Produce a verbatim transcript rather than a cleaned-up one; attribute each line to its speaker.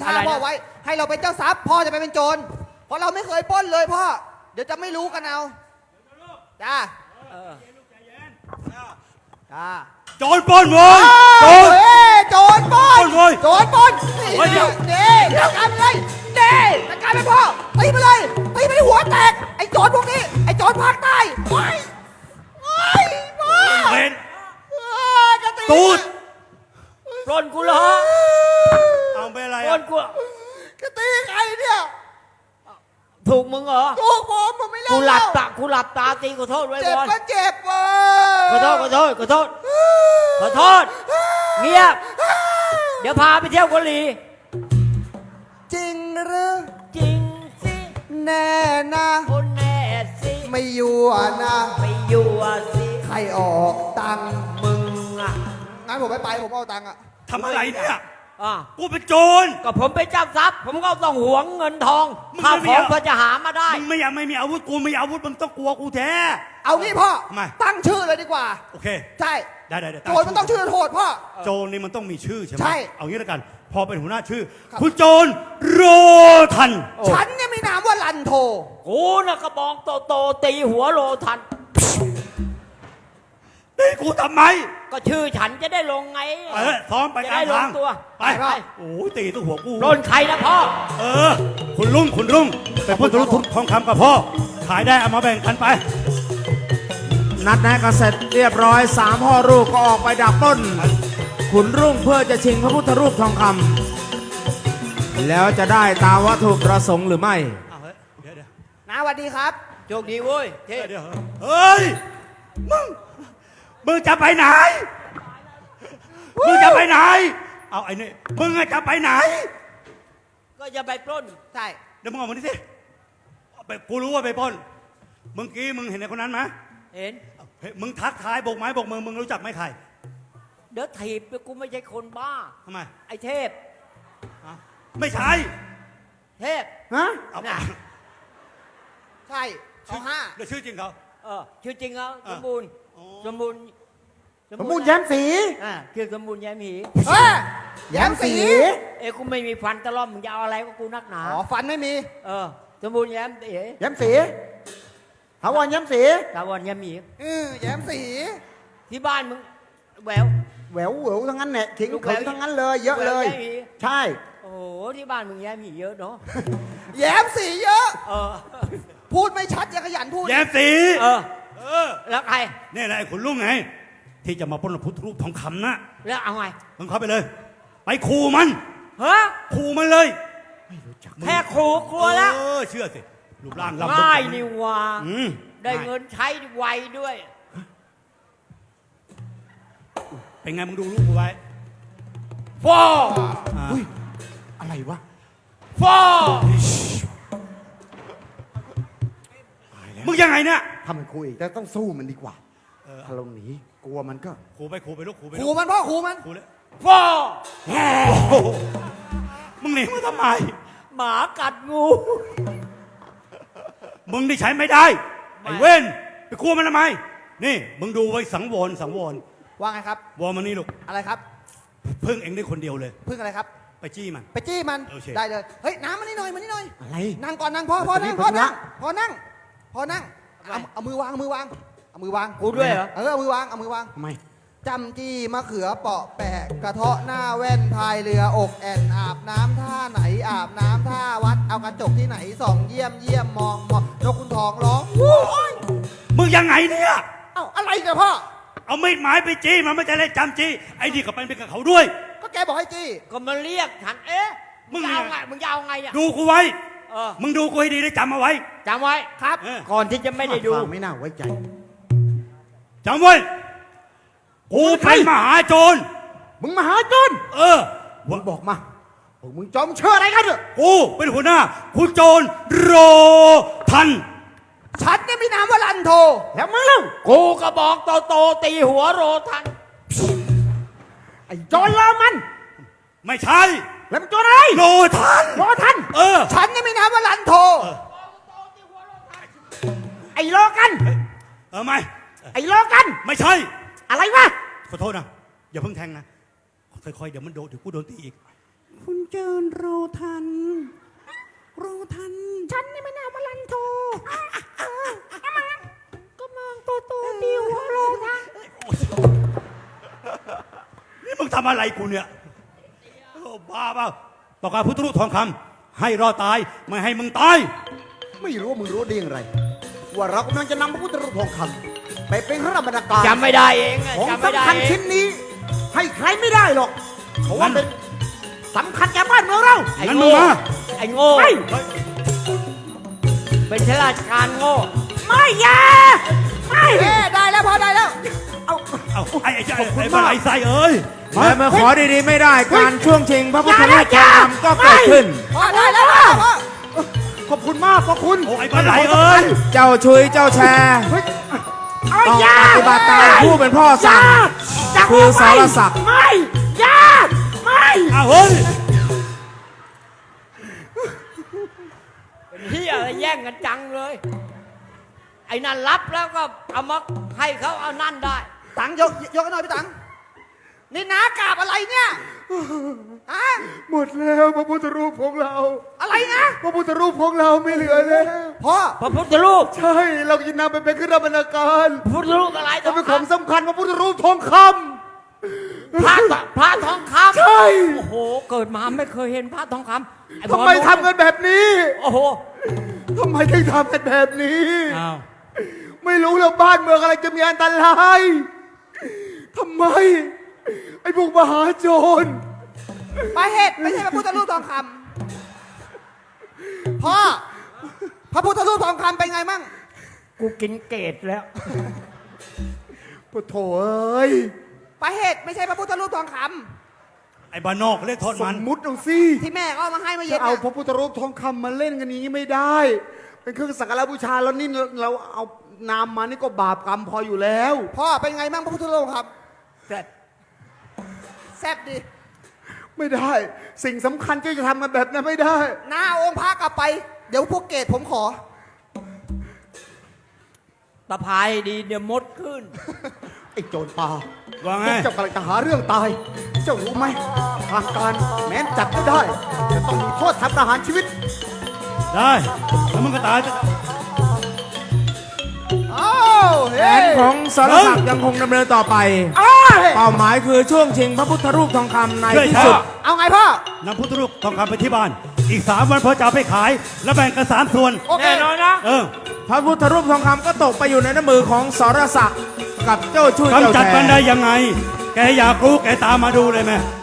Speaker 1: ท่าพ่อไว้ให้เราเป็นเจ้าทรัพย์พ่อจะไปเป็นโจรเพราะเราไม่เคยปล้นเลยพ่อเดี๋ยวจะไม่รู้กันเอาจ้าจ้า
Speaker 2: โจรปล้นเว้ยโจร
Speaker 1: โจรปล้นโจรปล้นนี่นี่จัดการไปเลยนี่จัดการไปพ่อตีไปเลยตีไปหัวแตกไอ้โจรพวกนี้ไอ้โจรภาคใต้ไปไปพ่อ
Speaker 2: เป็นตูด
Speaker 3: ปล้นกูเหรอ
Speaker 2: เอาไปอะไร
Speaker 3: ปล้นกู
Speaker 1: จะตีใครเนี่ย
Speaker 3: ถูกมึงเหรอ
Speaker 1: ถูกผมผมไม่เล่น
Speaker 3: กูหลับตากูหลับตาตีขอโทษไว้
Speaker 1: เจ็บก็เจ็บเว้
Speaker 3: ยขอโทษขอโทษขอโทษขอโทษเงียบเดี๋ยวพาไปเที่ยวเกาหลี
Speaker 1: จริงหรือ
Speaker 3: จริงสิ
Speaker 1: แน่นะ
Speaker 3: คนแน่สิ
Speaker 1: ไม่ยั่วนะ
Speaker 3: ไม่ยั่วสิ
Speaker 1: ใครออกตัง
Speaker 3: มึงอ่ะ
Speaker 1: งั้นผมไม่ไปผมเอาตังค์อ่ะ
Speaker 2: ทำอะไรเนี่ย
Speaker 3: อ่ะ
Speaker 2: กูเป็นโจร
Speaker 3: ก็ผมเป็นเจ้าทรัพย์ผมก็ต้องหวงเงินทองข้าวของเพื่อจะหามาได้
Speaker 2: มึงไม่อยากไม่มีอาวุธกูไม่อาวุธมึงต้องกลัวกูแท้
Speaker 1: เอางี้พ่อ
Speaker 2: ทำไม
Speaker 1: ตั้งชื่อเลยดีกว่า
Speaker 2: โอเค
Speaker 1: ใช่
Speaker 2: ได้ได้
Speaker 1: โจรมันต้องชื่อโหดพ่อ
Speaker 2: โจรนี่มันต้องมีชื่อใช่ไหม
Speaker 1: ใช่
Speaker 2: เอางี้แล้วกันพอเป็นหัวหน้าชื่อคุณโจรโรทัน
Speaker 1: ฉันเนี่ยมีนามว่าลันโท
Speaker 3: กูน่ะกระบองโตโตตีหัวโรทัน
Speaker 2: ตีกูทำไม
Speaker 3: ก็ชื่อฉันจะได้ลงไง
Speaker 2: เออซ้อมไปกลางทางไปไปโอ้ยตีตัวหัวกู
Speaker 3: โดนใครนะพ่อ
Speaker 2: เออคุณลุงคุณลุงไปพูดธุรกิจทองคำกับพ่อขายได้เอามาแบ่งกันไป
Speaker 4: นัดแนะกันเสร็จเรียบร้อยสามพ่อลูกก็ออกไปดักปล้นขุนรุ่งเพื่อจะชิงพระพุทธรูปทองคำแล้วจะได้ตามวัตถุประสงค์หรือไม่
Speaker 2: เดี๋ยวเดี๋ยว
Speaker 1: น้าสวัสดีครับ
Speaker 3: โชคดีเว้ยเท่
Speaker 2: เดี๋ยวเฮ้ยมึงมึงจะไปไหนมึงจะไปไหนเอาไอ้นี่มึงจะไปไหน
Speaker 3: ก็จะไปปล้น
Speaker 1: ใช่
Speaker 2: เดี๋ยวมึงออกมาดิสิกูรู้ว่าไปปล้นเมื่อกี้มึงเห็นไอ้คนนั้นไหม
Speaker 3: เห็น
Speaker 2: มึงทักทายโบกไม้โบกมือมึงรู้จักไหมใคร
Speaker 3: เดี๋ยวถีบกูไม่ใช่คนบ้า
Speaker 2: ทำไม
Speaker 3: ไอ้เทพ
Speaker 2: ไม่ใช่
Speaker 3: เทพ
Speaker 1: ฮะ
Speaker 3: ใช่
Speaker 1: เขาห้า
Speaker 2: เดี๋ยวชื่อจริงเขา
Speaker 3: เออชื่อจริงเขาสมบูรณ์สมบูรณ์
Speaker 1: สมบูรณ์แย้มสี
Speaker 3: อ่าคือสมบูรณ์แย้มหี
Speaker 1: แย้มสี
Speaker 3: เอ้กูไม่มีฟันตะล่อมมึงจะเอาอะไรก็กูนักหนา
Speaker 1: อ๋อฟันไม่มี
Speaker 3: เออสมบูรณ์แย้มสี
Speaker 1: แย้มสีถาวรแย้มสี
Speaker 3: ถาวรแย้มหี
Speaker 1: เออแย้มสี
Speaker 3: ที่บ้านมึงแหวว
Speaker 1: แหววแหววทั้งนั้นเนี่ยทิ้งเขินทั้งนั้นเลยเยอะเลยใช่
Speaker 3: โอ้โหที่บ้านมึงแย้มหีเยอะเนาะ
Speaker 1: แย้มสีเยอะ
Speaker 3: เออ
Speaker 1: พูดไม่ชัดอย่าขยันพูด
Speaker 2: แย้มสี
Speaker 3: เออเออแล้วใคร
Speaker 2: นี่แหละไอ้ขุนลุงไงที่จะมาปล้นพุทธรูปทองคำนะ
Speaker 3: แล้วเอาไง
Speaker 2: มึงเข้าไปเลยไปขู่มัน
Speaker 3: ฮะ
Speaker 2: ขู่มันเลย
Speaker 3: ไม่รู้จักแค่ขู่กลัวแล้ว
Speaker 2: เออเชื่อสิรูปร่างลำ
Speaker 3: ง่ายนี่ว่าได้เงินใช้ไวด้วย
Speaker 2: เป็นไงมึงดูรูปกูไว้
Speaker 3: ฟ้า
Speaker 1: อะไรวะ
Speaker 3: ฟ้า
Speaker 2: มึงยังไงเนี่ย
Speaker 1: ทำมันคุยแต่ต้องสู้มันดีกว่าถ้าเราหนีกลัวมันก็
Speaker 2: ขู่ไปขู่ไปลูกขู่ไป
Speaker 1: ขู่มันพ่อขู่มัน
Speaker 2: ขู่เลย
Speaker 3: ฟ้า
Speaker 2: มึงหนีมาทำไม
Speaker 3: หมากัดงู
Speaker 2: มึงได้ใช้ไม่ได้ไอ้เว้นไปกลัวมันทำไมนี่มึงดูไว้สังวรสังวร
Speaker 1: ว่าไงครับ
Speaker 2: วอมันนี่ลูก
Speaker 1: อะไรครับ
Speaker 2: พึ่งเองได้คนเดียวเลย
Speaker 1: พึ่งอะไรครับ
Speaker 2: ไปจี้มัน
Speaker 1: ไปจี้มันได้เลยเฮ้ยน้ำมันนี่หน่อยมันนี่หน่อย
Speaker 2: อะไร
Speaker 1: นั่งก่อนนั่งพ่อพ่อนั่งพ่อนั่งพ่อนั่งพ่อนั่งเอาเอามือวางเอามือวางเอามือวาง
Speaker 3: กูด้วยเหรอ
Speaker 1: เออเอามือวางเอามือวาง
Speaker 2: ทำไม
Speaker 1: จำจี้มะเขือเปาะแปะกระเทาะหน้าแว่นพายเรืออกแอนอาบน้ำท่าไหนอาบน้ำท่าวัดเอากระจกที่ไหนส่องเยี่ยมเยี่ยมมองมองนกคุณทองร้องโอ้ย
Speaker 2: มึงยังไงเนี่ย
Speaker 1: เอ้าอะไรกันพ่อ
Speaker 2: เอาไม่หมายไปจี้มันไม่จะเล่นจำจี้ไอ้นี่ก็เป็นไปกับเขาด้วย
Speaker 1: ก็แกบอกให้จี้
Speaker 3: ก็มาเรียกฉันเอ๊ะมึงเอาไงมึงเอาไงเนี่ย
Speaker 2: ดูกูไว้มึงดูกูให้ดีได้จำเอาไว้
Speaker 3: จำไว้ครับก่อนที่จะไม่ได้ดู
Speaker 1: ไม่น่าไว้ใจ
Speaker 2: จำไว้กูเป็นมหาโจร
Speaker 1: มึงมหาโจร
Speaker 2: เออ
Speaker 1: มึงบอกมาพวกมึงจอมเชื่ออะไรกันเถอะ
Speaker 2: กูเป็นหัวหน้าคุณโจรโรทัน
Speaker 1: ฉันเนี่ยมีนามว่าลันโทแล้วมึงเล่า
Speaker 3: กูกระบอกโตโตตีหัวโรทัน
Speaker 1: ไอ้โจรเลอมัน
Speaker 2: ไม่ใช่
Speaker 1: แล้วมันโจรอะไร
Speaker 2: โรทัน
Speaker 1: โรทัน
Speaker 2: เออ
Speaker 1: ฉันเนี่ยมีนามว่าลันโทไอ้โลกัน
Speaker 2: เออไม่
Speaker 1: ไอ้โลกัน
Speaker 2: ไม่ใช่
Speaker 1: อะไรวะ
Speaker 2: ขอโทษนะอย่าเพิ่งแทงนะค่อยๆเดี๋ยวมันโดนเดี๋ยวกูโดนตีอีก
Speaker 4: คุณเจิญเราทัน เราทัน
Speaker 1: ฉันนี่ไม่น่ามาลันโทก็มองตัวตัวดีหัวโลนะ
Speaker 2: นี่มึงทำอะไรกูเนี่ยโอ้บ้าเปล่าต้องการพุทธรูปทองคำให้รอดตายไม่ให้มึงตาย
Speaker 5: ไม่รู้ว่ามึงรู้ได้อย่างไร ว่าเรากำลังจะนำพระพุทธรูปทองคำไปเป็นพระราชบรรณาการ
Speaker 3: จำไม่ได้เองอะ
Speaker 5: ของ
Speaker 3: จำไม่ได้
Speaker 5: สำคัญ
Speaker 3: เอ
Speaker 5: ชิ้
Speaker 3: ง
Speaker 5: นนี้ ให้ใครไม่ได้หรอก เพราะว่า
Speaker 2: งั้น
Speaker 5: เป็นสำคัญแก่บ้านเมืองเรา
Speaker 3: ไอ้
Speaker 2: งั้นมึ
Speaker 3: โง่
Speaker 2: งมา
Speaker 3: ไอ้โง่
Speaker 5: ไม่
Speaker 3: เป็นข้าราชการโง่
Speaker 5: ไม่อยาไม่
Speaker 1: เอ้ได้แล้วพอได้แล้ว
Speaker 5: เอา
Speaker 2: เอาไอ้ไอ้ไอ้ไอ้บ้าไอ้ไส้เอ้ยมา
Speaker 4: และเมื่อขอดีๆไม่ได้การช่วงชิงพระพุทธรูปทองคำก็เกิดขึ้น
Speaker 1: พอได้แล้วพ่อพ่อ
Speaker 5: ขอบคุณมากขอบคุณ
Speaker 2: โอ้ไอ้บ้าไหลเอ้ย
Speaker 4: เจ้าชุยเจ้าแชร์
Speaker 5: เฮ้ยเอา
Speaker 4: ต้อง
Speaker 5: อยา
Speaker 4: ปฏิบัติตามผู้เป็นพ่อสั่ง
Speaker 5: จับ
Speaker 4: คือ
Speaker 5: เอา
Speaker 4: ส
Speaker 5: ไว้
Speaker 4: รศักดิ์
Speaker 5: ไม่อยาไม่
Speaker 2: อ้าวเฮ้ย
Speaker 3: เป็นที่อะไรแย่งกันจังเลย ไอ้นั่นรับแล้วก็เอามาให้เขาเอานั่นได้
Speaker 1: ตังยกยกให้หน่อยพี่ตังนี่นากราบอะไรเนี่ยฮะ
Speaker 5: หมดแล้วพระพุทธรูปของเรา
Speaker 1: อะไรนะ
Speaker 5: พระพุทธรูปของเราไม่เหลือแล้ว
Speaker 1: พ่อ
Speaker 3: พระพุทธรูป
Speaker 5: ใช่ เราจะนำไปเป็นเครื่องราชบรรณาการ
Speaker 3: พระพุทธรูปอะไร
Speaker 5: จะเป็นของสำคัญพระพุทธรูปทองค
Speaker 3: พระทพระทองคำ
Speaker 5: ใช่
Speaker 3: โอ้โห เกิดมาไม่เคยเห็นพระทองคำอ้
Speaker 5: ำทำไมทำกันแบบนี้
Speaker 3: โอ้โห
Speaker 5: ทำไมถึงทำกันแบบนี้
Speaker 2: อ้าว
Speaker 5: ไม่รู้แล้วบ้านเมืองอะไรจะมีอันตรายทำไม ไอ้พวกมหาโจร
Speaker 1: ปลาเห็ดไม่ใช่พระพุทธรูปทองคำพ่อพระพุทธรูปทองคำเป็นไงมั่ง
Speaker 3: กูกินเกตแล้ว
Speaker 5: ปะโถเอ้ย
Speaker 1: ปลาเห็ดไม่ใช่พระพุทธรูปทองค
Speaker 2: ไอ้บ้านนอกเรียกโทษ
Speaker 5: ส
Speaker 2: มัน
Speaker 5: มมุติเอาสิ
Speaker 1: ำที่แม่เขาเอามาให้เมื่อ
Speaker 5: จะ
Speaker 1: เย็น
Speaker 5: เอา
Speaker 1: น่ะ
Speaker 5: พระพุทธรูปทองคำมาเล่นกันอย่างนี้ไม่ได้ เป็นเครื่องสักการะบูชาแล้วนี่เราเอานามมานี่ก็บาปกรรมพออยู่แล้ว
Speaker 1: พ่อเป็นไงมั่งพระพุทธรูปครับ
Speaker 3: แต่
Speaker 1: แซ่บดี
Speaker 5: ไม่ได้ สิ่งสำคัญที่จะทำกันแบบนั้นไม่ได้
Speaker 1: หน้าองค์พระกลับไป เดี๋ยวพวกเกตผมขอ
Speaker 3: ตะพายดีเดี๋ยวมดขึ้น
Speaker 5: ไอ้โจรป่า
Speaker 2: ว่าไง
Speaker 5: พวกเจ้ากำลังจะหาเรื่องตาย เจ้ารู้ไหมทางการแม้นจับไม่ได้ จะต้องมีโทษทำประหารชีวิต
Speaker 2: ได้แล้วมึงก็ตาย
Speaker 1: อ้าว
Speaker 4: แผ
Speaker 1: เฮ้
Speaker 4: น
Speaker 1: ย
Speaker 4: ของสรศักดิ์ยังคงดำเนินต่อไป
Speaker 5: อ้าย
Speaker 4: เป้าหมายคือช่วงชิงพระพุทธรูปทองคำใน
Speaker 2: ช่วย
Speaker 4: ที่
Speaker 2: ช้า
Speaker 4: สุด
Speaker 1: เอาไงพ่อ
Speaker 2: นำพุทธรูปทองคำไปที่บ้าน อีกสามวันพอจะเอาไปขาย แล้วแบ่งกันสามส่วน
Speaker 1: โอเค
Speaker 3: แน่นอนนะ
Speaker 2: เออ
Speaker 4: พระพุทธรูปทองคำก็ตกไปอยู่ในน้ำมือของสรศักดิ์กับเจ้าชุยเจ้าก
Speaker 2: ำจัด
Speaker 4: แช
Speaker 2: มันได้
Speaker 4: ร์
Speaker 2: ยังไง แกอยากรู้แกตามมาดูเลยไหม